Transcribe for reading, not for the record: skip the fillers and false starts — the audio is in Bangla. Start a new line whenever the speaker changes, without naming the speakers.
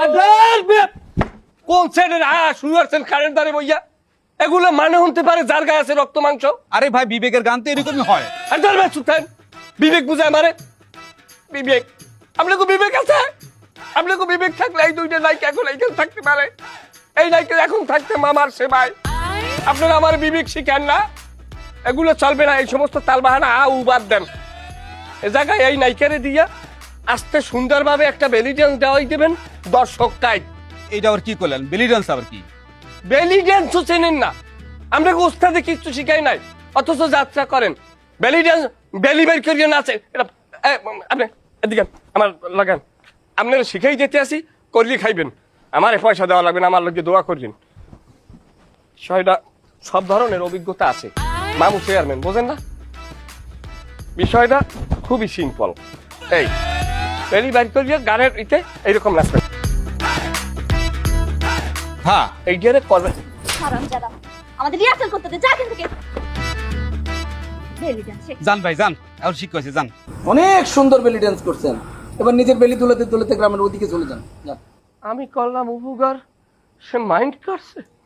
কোন সাইডের শুরু করছেন কারেন্ট দ্বারে বইয়া? এগুলো মানে হতে পারে যার গায়ে আছে রক্ত মাংস।
আরে ভাই বিবেকের গান তো এরকমই হয়।
আর ধরবেন সুলতান, বিবেক বুঝায় মারে। বিবেক, আপনাকে বিবেক আছে? আপনাকে বিবেক থাকলে এই দুইটা নায়িকা এখন এইখানে থাকতে পারে। এই নায়িকা এখন থাকতে মামার সেবায়। আপনারা আমার বিবেক শিখেন না, এগুলো চলবে না। এই সমস্ত তালবাহানা বাদ দেন। এ জায়গায় এই নায়িকারে দিয়া আস্তে সুন্দরভাবে একটা বেলি ডান্স দেওয়াই দেবেন দর্শকটাই।
এইটা আবার কি করলেন? বেলি ডান্স আবার কি?
বেলি ডান্সও চেনেন না? আমরা ওস্তাদে কিচ্ছু শিখাই নাই, অথচ যাত্রা করেন। বেলি ডান্স, বেলি বের করিয়ে নাচে। আপনি এদিকে আমার লাগান, আপনারা শিখাই যেতে আসি, করলি খাইবেন। আমার পয়সা দেওয়া লাগবে না, আমার লোককে দোয়া করবেন। বিষয়টা সব ধরনের অভিজ্ঞতা আছে, মামু চেয়ারম্যান বোঝেন না? বিষয়টা খুবই সিম্পল। এই বেলি বের করিয়ে গানের ইতে এইরকম নাচবেন।
হ্যাঁ
এই গিয়ে করবেন।
হারামজাদা, আমাদের রিহার্সাল করতে দে, যা এখান থেকে। বেলি ডান্স শেখ।
যান ভাই যান, এখন শিখছে যান।
অনেক সুন্দর বেলি ডান্স করছেন, এবার নিজের বেলি তুলতে তুলতে গ্রামের ওদিকে চলে যান।
আমি করলাম উপকার, সে মাইন্ড করছে।